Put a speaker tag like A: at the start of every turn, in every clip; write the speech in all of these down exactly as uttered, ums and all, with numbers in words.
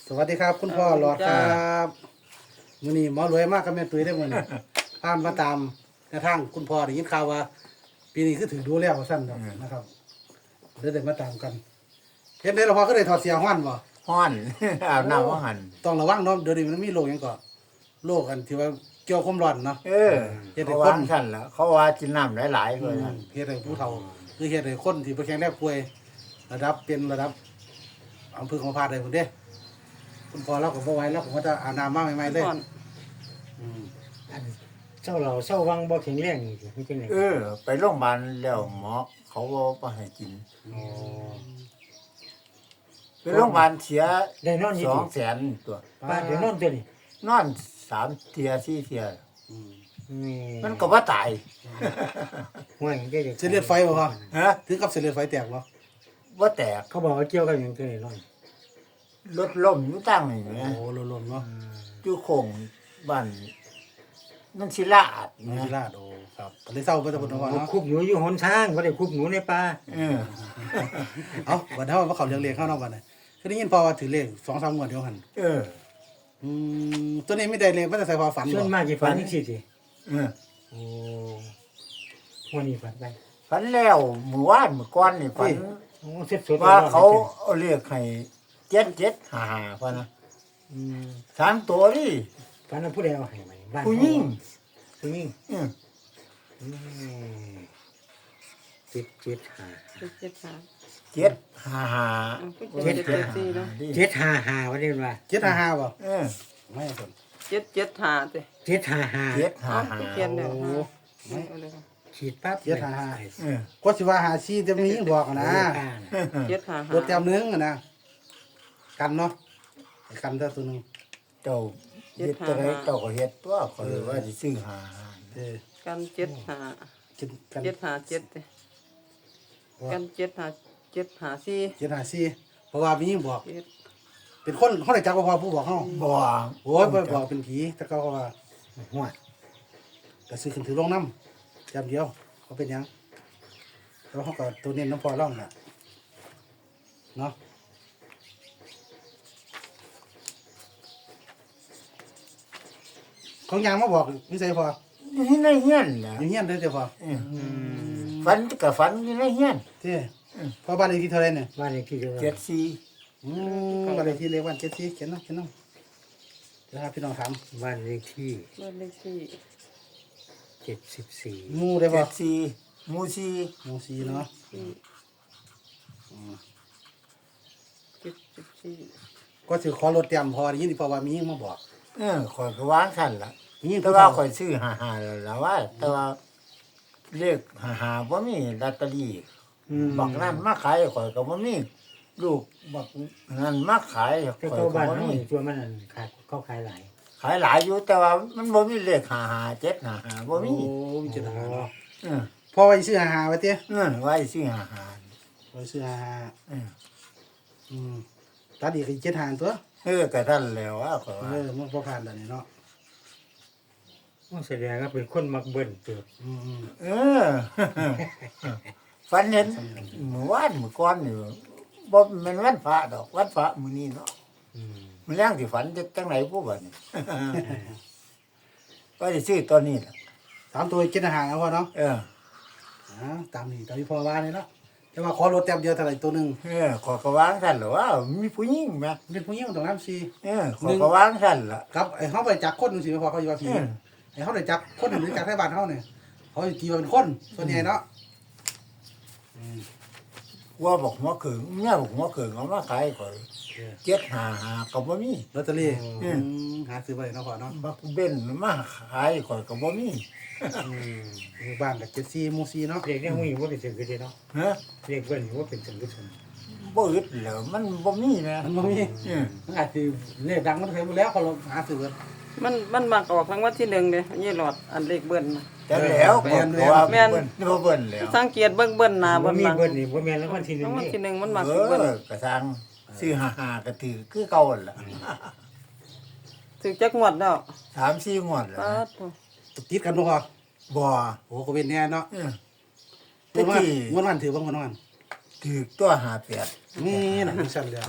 A: สวัสดีครับคุณพ่อหลอดครับมื้อนี้หมอรวยมากกับแม่ตุ้ยได้มื้อนี้พามมาตามแนวทางคุณพ่อได้ยินข่าวว่า ปีนี้คือถือดูแล้วสั้นดอกนะครับเดี๋ยวได้มาตามกันเห็นได้แล้วพ่อก็ได้ถอดเสียฮ้อนบ่
B: ฮ้อน อาบน้ำว่าหัน
A: ต้องระวังเนาะเดี๋ยวนี้มันมีโรคหยังก็โรคอันที่ว่าเกี่ยวกับความร้อนเนาะ
B: เออ
A: เฮ็ดให้
B: เขา
A: คน
B: วางสั่นละเขาว่ากินน้ำหลายๆเลยนะ
A: เฮ็ดให้ผู้เฒ่าคือเฮ็ดให้คนที่บ่แข็งแรงป่วยระดับเป็นระดับอำเภอของพาดได้พุ่นเด้คุณพ่อเราก็บ่ไหวแล้วผมก็จะอาบน้ำมาใหม่ๆเลย
C: ก่อน
A: อืม
D: อันเจ้าเราเจ้าวังบ่แข็งแรงนี่มันเป็นไง
B: เออ ไปโรงพยาบาลแล้วหมอเขาบอกว่าให้กิน
D: อ๋อ
B: ไปโรงพยาบาลเสีย
D: ได้นอนอยู่
B: สอง
D: ดิ
B: แสนตัว
D: ป้าเดี๋ยวนอนตัวนี้
B: นอนสามเทียสี่เทีย
A: อืม
D: นี่
B: มันก็ว่าตาย
D: ห่วยได้จัก
A: เส้นเลือดไฟบ่พ่อ
B: ฮะ
A: ถึงกับเส้นเลือดไฟแตกบ่
B: ว่าแตก
D: เขาบอกว่าเกี่ยวกับหยังตัวนี้นอน
B: รถล้มอยู่ตั้งนี่
A: โอ้
B: นะ
A: โหลมๆเนาะ
B: อยู่โค้งบ้านมันศิลาด
A: มี
B: นะ
A: ลาดโอ้ครับก็เลยเศร้าไปแตะบนว่า
D: โอ้
A: เนาะ
D: คุบหนูอยู่หนทางบ่ได้คุบหนูในป่า
B: เออ
A: เอ้าวันเฮามาเข้าเรื่องเลขเข้านอกบัดนี้คือได้ยินพ่อว่าถือเลขสองสามงวดเดียวหั่น
B: เออ
A: อืมตัวนี้ไม่ได้เลขมันจะใส่พอฝัน
D: ส่ว
A: บ่
D: นมากสิฝันจังซี่สิ
B: เออ
D: โอ้วันนี้ฝันไป
B: ฝันแล้วเมื่อวานเมื่อก่อนนี่ฝัน
D: โอ้สดๆ
B: ว่า
D: ร้อนๆ
B: เขาเอาเรียกให้เจ็ดเจ็ดหาหาพะนะ
D: อืม
B: สามตัวนี่
D: ฝันว่าผู้ใดเอาให้ไหมบ้าน
B: ผู้หญิง
D: ผู้หญิง
B: อืม
D: อืมเจ็ดเจ็ดห้า
C: เจ็ดเจ็ดหา
B: เจ็ดหาหา
C: อืมเจ็ดเจ็ดสี่เนาะ
D: เจ็ดห้าห้าว่าได้ว่า
A: เจ็ดห้าห้าบ่
B: เออ
A: ไม่สน
C: เจ็ดเจ็ดหาเต้
D: เจ็ดห้าห้า
B: เจ็ดหา
C: อ๋อ
B: หา
C: เขียนเดี๋ยว
A: โอ้
C: หาเอาเลยค่ะ
D: ขีดปั๊บ
A: เจ็ดห้าห้า
B: เออ
A: ก็สิว่าหาซีจะมียิ่งบอกอะนะ
C: เจ็ดหาหา
A: ตัวแต้มหนึงอะนะกันเนาะกันแต่ตัวหนึง
B: เจ้าเฮ็ดตัวไหนเจ้าก็เฮ็ดตัวขอยว่าสิซื้อหาหา
A: เออ
C: กันเจ็ดหา
A: กินกัน
C: เจ็ดหาเจ็ดเต้กันเจ็ดหาเจ็ดหาสี่
A: เจ็ดห้าซีเพราะว่ามียิ่งบอก
C: เจ็ด
A: เป็นคนเขาได้จักว่าพอผู้บอกเฮา
B: บ่
A: โอ้ยบ่บอกเป็นผีแต่เขาก็ว่าหัวก็ซื้อขึ้นถือลงน้ำจำเดียวเขาเป็นหยังแล้วเขาก็ตัวเน้นน้ำพอร่องน่ะเนาะของยางมาบอกนี่ใส่พอ
B: อยู่ในเฮียนแหละ
A: อยู่เฮียนได้เดี๋ยวพอ
B: เออฝันก็ฝันอยู่ในเฮียน
A: เจ้พอบ้านเลขที่เท่าไหรเนี่ย
D: บ้านเลขที่เดียว
B: เจ็ดสี่
A: อืมบ้านเลขที่เลขวันเจ็ดสี่เขียนเนาะเขียนเนาะเดี๋ยวหาพี่น้องถาม
D: บ้านเลขที่
C: บ้านเลขที่
D: เจ็ดสิบสี่
A: หมูได้
B: เจ็
A: ป่ะ
B: ดสี่หมู่สี่
A: หมูสี่เนาะ
C: สี่เจ็ดสิบสี่
A: ก็สิขอรถเตรียมพอได้ยินเพราะว่ามียิ่งมาบอก
B: เออข่อยก็วางสั่นล่ะ
A: มียิ่ง
B: แต่
A: ผู้
B: ว่า
A: เฒ่า
B: ข่อยซื้อหาหาแล้วล่ะว่า แต่ว่าเลขหาหาบ่มีลอตเตอรี่
A: อืม
B: บักนั้นมาขายข่อยก็บ่มีลูกบักนั้นมาขายข่
D: แต่
B: อย
D: ตัว
B: ก็
D: บ้าน
B: บ่
D: น้อ
B: มี
D: ยตัวมันนั่นขาดเขาขายหลาย
B: ขายหลายอยู่แต่ว่ามันบ่มีเลขหาหาเจ็ดหาหาบ่
A: โอ้
B: มี
A: มีเจ็ดหาเนาะ
B: เออ
A: พอไว้ซื้อหาหาไว้เตี้ย
B: เออไว้ซื้อหาหา
A: ไว้ซื้อหาหา
B: เออ
A: อืมตัดอีกอีกเจ็ดหาตัว
B: เออก็ท่านแล้วว่าข่อย
A: เอ
B: ว่า
A: อมันพอผ่านแล้วนี่เนาะ
D: แสดงว่าเป็นคนมักเบิ่นเติบ
A: อืมอืม
B: เออ ฝันเห็นเมื่อวานเมื่อก่อนนี่บ่แม่นวันพระดอกวันพระมื้อนี้เนาะ
D: อืม
B: มันแรงที่ฝันจะจังไหนพวกบัดนี้ ก็จะซื้อตัวนี้ล่ะ
A: สามตัวเจ็ดหาแล้วพอเนาะ
B: เออ
A: อ่าตามนี้ตามที่พอว่านี่เนาะแต่ว่าขอรถเตรียมเดียวเท่าไหร่ตัวหนึง
B: เออขอกระวางสั่นเหรอว่ามีผู้หญิงไหม
A: เป็นผู้หญิงตรงน้ำซี
B: เออขอกระวางสั่นล่ะ
A: ครับไอ้เขาไปจักคนนึงสิพอเขาอยู่ว่าผี
B: เออ
A: ไอ้เขาได้จักคนหรือจักไทบ้านเขาเนี่ยเขาจะตีว่าเป็นคนส่วนใหญ่เนาะอืม
B: ว่าบอกหัวเขิงเนี่ยบอกหัวเขิงเอามาขายก่อนเจ็ดหาหาก็บ่มี
A: ลอตเตอรี่
B: อืม
A: อืมหาซื้อไปเนาะพ่อเนาะ
B: บักเบนมาขายก่อนก็บ่มี
D: อืม
A: อยู่บ้านกับเจ็ดซีมูซีเนาะ
D: เด็กเนี่ยหูว่าเป็นสิ่งที่เนาะ
B: ฮะ
D: เด็กเบิ่นว่าเป็นสิ่งที่สม
B: บ่อึดแล้วมันบ่มีนะ
A: มันบ่มี
B: เออ
A: มันอาจจะเลขดังมันเคยหมดแล้วเขาลองหาซื้อกัน
C: มันมันมักออกทั้งวันที่หนึ่งเด้ยี่หลอดอันเลขเบิ้ลน่ะ
B: แต่แล้ว
A: แม่น
B: เพราะว่า
C: แม่น
B: เบิ่นบ่เบิ่นแล้ว
C: สังเกตเบิ้งเบิ้ลหน้า
D: บ่
C: เบิ้ล
D: มี
C: หลัง
D: เบิ่นนี่บ่แม่นแล้ววันที่หนึ
C: ทั้
D: ง
C: งวัน
D: นี่
C: ที่หนึ่งมันมัก
B: เอ
C: สิเบิ้ล
B: อกระซังซื้อหาหาก็ถือคือเก่าหั่นล่ะ
C: ถึงจักงวดแล้ว
B: สามสี่งวดแล้ว
C: ปา
B: นะ
C: ดโถ่
A: ติดกันบ่พอ
B: บ่
A: โอ้ก็เป็นแน่เนาะ
B: เออ
A: แต่
B: แต่
A: ว่า
B: ที่
A: งวดวันถือบ้างงวดวัน
B: ถือตัวหาแปด
A: นี่น่ะมีสั่นแล้ว
B: แ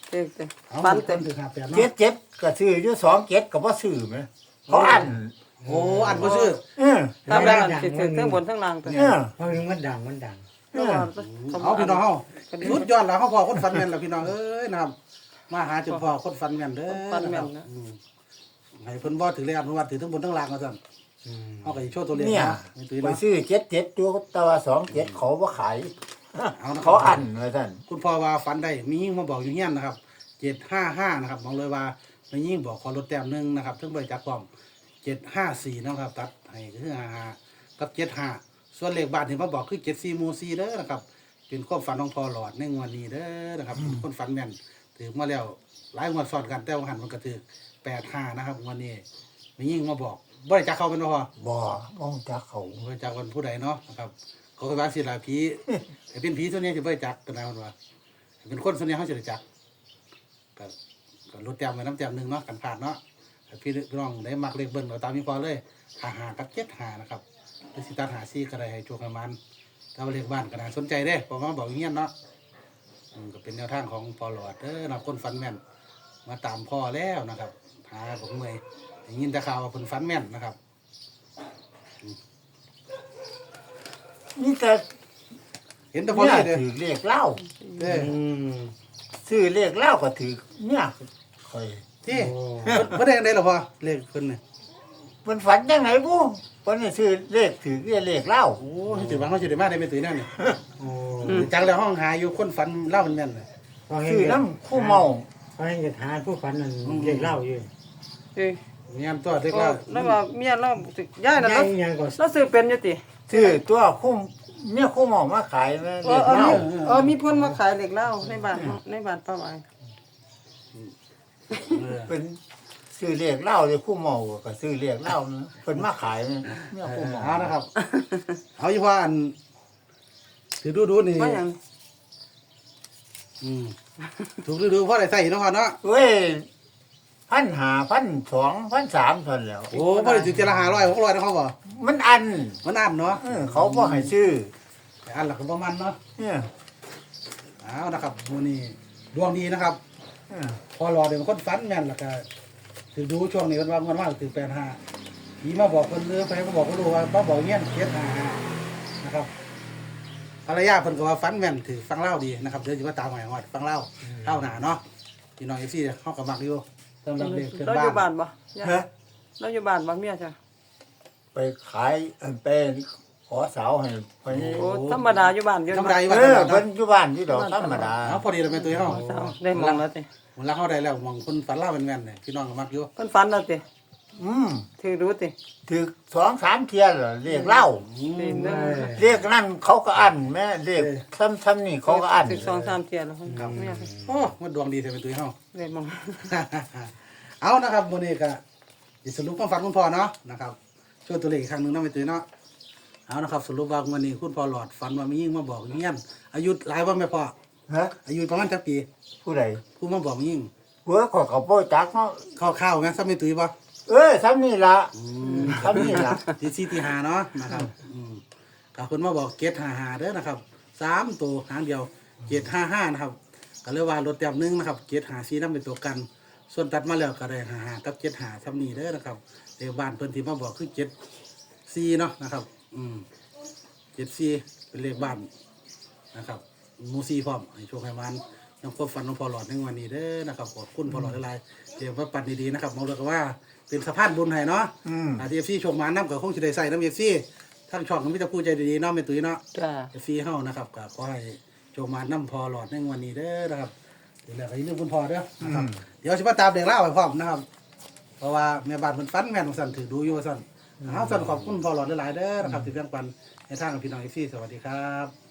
C: เด็กแต่
A: เอา
C: ฟัน
A: เต็
C: เต็
A: ม
C: ม
A: ถึงห้าแปด
B: เจ็
A: เนาะ
B: ดเจ็ดก็ซื้ออยู่สองเจ็ดก็บ่ซื้อไหมเขาอัน
A: โอ้อันบ่ซื้อ
B: เออ
C: ตามแรงสิถึงทั้งบนทั้งล่างตัว
B: เออ
D: เพราะมันดังมันดัง
B: เออ
A: เอาพี่น้องเฮาสุดยอดแล้วเฮาพอคนฟันแม่นแล้วพี่น้องเอ้ยนะครับมาหาจุดพอคนฟันแม่นเด้อ
C: ฟันแม่น
A: นะครั
C: นะ
A: บอืมให้เพิ่นบ่ถือเลขอนุวัตถือทั้งบนทั้งล่างว่าซั่น
D: อืม
A: เฮาก็สิโชว์ตัวเลข
B: เนี่ย
A: นะไม่ตื้อ
B: ไป
A: เนาะ
B: ซื้อเจ็ดเจ็ดตัวแต่ว่าสองเจ็ดเขาบ่ขาย
A: เอานะค
B: เขา
A: รับ
B: อันว่าซั่น
A: คุณพ่อว่าฝันได้มียิ่งมาบอกอยู่เฮียนนะครับเจ็ดห้าห้านะครับบอกเลยว่ามียิ่งบอกขอลดแต้มหนึ่งนะครับถึงบริจาคพร้อมเจ็ดห้าสี่นะครับตัดให้คือห้าห้ากับเจ็ดห้าส่วนเลขบ้านที่มาบอกคือเจ็ดสี่มูสี่เด้อนะครับเป็นความฝันของพ่อหลอดในงวดนี้เด้อนะครับเป็นคนฝันแม่นถือมาแล้วหลายงวดซ้อนกันแต่ว่าหันมันก็ถือแปดห้านะครับงวันนี้มียิ่งมาบอกบริจาคเขาเป็นบ่พอ
B: บ่มองจากเขา
A: บริจาควันผู้ใดเนาะนะครับเขาเคยว่าสิลาผีแต่เป็นผีส่วนนี้จะบริจาคกันนะคนว่าเป็นคนส่วนนี้เขาจะบริจาค ก็ก็ลดแต้มไปน้ำแต้มหนึ่งเนาะกันผ่านเนาะแต่พี่น้องได้มักเลขเบิ้ลเอาตามนี้พอเลยหาหากับเจ็ดหานะครับหรือสิตาหาซี่ก็ได้ให้โชคให้มันถ้าว่าเลขบ้านก็น่าสนใจเด้เพอมาบอกอย่างเงี้ยเนาะอืมก็เป็นแนวทางของพอหลอดเด้อนะคนฟันแม่นมาตามพ่อแล้วนะครับหาผมเมื่อยได้ยินแต่ข่าวว่าเพิ่นฟันแม่นนะครับ
B: นี่แต่
A: เห็นแต่พอ
B: เนี่
A: เลย ยเด้อ
B: ถือเลขเหล้า
A: เด้อ
D: อืม
B: ซื้อเลขเหล้าก็ถือเนี่ยค่อย
A: ที่
D: โอ้
A: เพิ่นเพิ่นได้จังได๋ล่ะพ่อเลขเพิ่นนี่
B: เพิ่นฝันจังไหนบ่เพิ่นนี่ซื้อเลขถือเลขเหล้า
A: โอ้ยถือว่าเขาสิได้มาได้ไปตื่นนั่นนี่
D: โอ้
A: จังแล้วห้องหาอยู่คนฝันเล่ามันแม่นน่ะ
D: พอเห็น
B: ซื้อ
D: จะ
B: น้ำคู่เมา
D: พอเห็นจะทานผู้ฝันนั่นเรียกเหล่าอยู่
C: เอ้ย
A: เงี้ยตัวเด็ก
C: ก็
A: เล่า
C: แล้วว่าเมียเราย้ายน่ะ
D: ยั
C: เรา
D: งยังก็
C: เราซื้อเป็นอยู่ติ
B: ซื้อตัวคู่เนี่ยคู่เมามาขายแม่
C: เอ
B: เล
C: อ
B: ข
C: เออ
B: เหล้า
C: มีเออมีเพิ่นมาขายเหล็กเหล้าในบ้านเนาะในบ้านป้าหวาย
A: เออ
B: เป็นซื้อเลขเหล้าเลยคู่เมาก็ซื้อเลขเหล้านะเพิ่นมาขายเนี่ยคู่เมา
A: เอานะครับ เอาอยู่ว่าอันถือดูดูนี่
C: ว่าหยัง
A: อืมถูกดูดูเพราะอะไรใส่เนาะพ่อเนาะ
B: เว้ยพันหาพันสองพันสามเท่านั้นแหล้ว
A: โอ้เพราะได้ถือเจละห้าร้อยหกร้อยนะเขาบอก
B: มันอัน
A: มันอันเนาะ
B: เออเขาบ่ให้ซื้อ
A: แต่อันหลักก็ประมาณเนาะ
B: เนี่ย
A: เอานะครับวันนี้ดวงดีนะครับ
B: เออ
A: พอรอเดี๋ยวมันคนฝันแม่นแล้วก็ถือดูช่วงนี้มันว่ามันมากถือแปดห้าผีมาบอกคนเรือไปก็บอกก็รู้ว่ามาบอกเงี้ยเจ็ดห้านะครับภรรยาเพิ่นก็ว่าฝันแม่นถือฟังเล่าดีนะครับเดี๋ยวจะมาตามหมายว่าฟังเล่าเล่าหนาเนาะพี่น้องเอฟซีเขากับมักอยู่สำหรับเด็กเกิด
C: เราอยู่
A: บ้า
C: บ้าน นบ่ย่า
B: ฮะ
C: เราอยู่บ้านบ่เมียจ้ะ
B: ไปขายเอิ่นไปขอสาวให้ไป
C: โอ้ธรรมดาอยู่บ้านอยู่
A: ธรรมดาอยู่
B: เอ
A: บ้าน
B: อ
A: เนาะ
B: เพิ่นอยู่บ้านที่ดอกธรรมดา
A: เอาพอดีเราเป็นตัวเขา
C: เจ้าได้มองแล้วติ
A: มันรักเขาได้แล้วมองคนฝันเล่าเป็นแม่นเลยพี่น้องก็มักอยู่
C: เพิ่นฝันแล้วติ
B: อืม
C: ถือรู้ติ
B: ถึกสองสามเที่ยแล้วเรียกเหล้า
A: อืม
C: ถือหนึ่ง
B: เรียกนั่นเขาก็อันแม่เรียกซ้ำๆนี่เขาก็อัน
C: ถือสองสามเที่ยแล้วเพิ่นกลับเมีย
A: โอ้มันดวงดีแต่เป็นตัวเขา
C: ได้มอง
A: เอานะครับวันนี้ก็สรุปความฝันคุณพ่อเนาะนะครับช่วยตัวเลขอีกครั้งหนึ่งเนาะไปตื่นเนาะเอานะครับสรุปว่าวันนี้คุณพ่อหลอดฝันว่ามียิ่งมาบอกเงี้ยนอายุหลายวันไหมพ่อ
B: ฮะ
A: อายุประมาณจักปี
B: ผู้ใด
A: ผู้มาบอกยิ่ง
B: หัวเขอเขาโป้จักเนาะ
A: ข้าวๆไงซ้ำไม่ตื่นป่ะ
B: เออซ้ำนี่ละซ้ำนี่ละ
A: ทีซีตีหาเนาะนะครับอืมกับคนมาบอกเกตหาหาเด้อนะครับสามตัวหางเดียวเกตห้าห้านะครับก็เรียกว่ารถแต้มหนึงนะครับเกตหาซีนั่นเป็นตัวกัน ส่วนตัดมาแล้วก็ได้หาหากับเกตหาซ้ำนี่เด้อนะครับเดี๋ยวบ้านเพิ่นที่มาบอกคือเกตซีเนาะนะครับ อืมเจ็ดซีเป็นเลขบ้านนะครับหมูซีพร้อมให้โชคให้มันน้องควบฟันน้องพอหลอดในวันนี้เด้อนะครับขอบคุณพอหลอดหลายๆเดี๋ยวว่าปัดดีๆนะครับมองเลยก็ว่าเป็นสะพานบุญให้เนาะ
B: อืม
A: อาทีเอฟซีโชคมาน้ำกับคงจะได้ใส่น้ำเอฟซีทั้งช่องก็มีแต่ผู้ใจดีๆเนาะเป็นตุ้ยเนาะ
C: จ้า
A: เอฟซีเฮานะครับก็ขอให้โชคมาน้ำพอหลอดในวันนี้เด้อนะครับเดี๋ยวแล้วก็อย่าลืมคุณพอเด้อนะครับเดี๋ยวสิมาตามเด็กเล่าให้พร้อมนะครับ เพราะว่าแม่บ้านเพิ่นฟันแม่นของสั่นถือดูอยู่ว่าสั่นเอาสั่นขอบคุณพอหลอดหลายๆเด้อนะครับที่แบ่งปันในทางกับพี่น้องเอฟซีสวัสดีครับ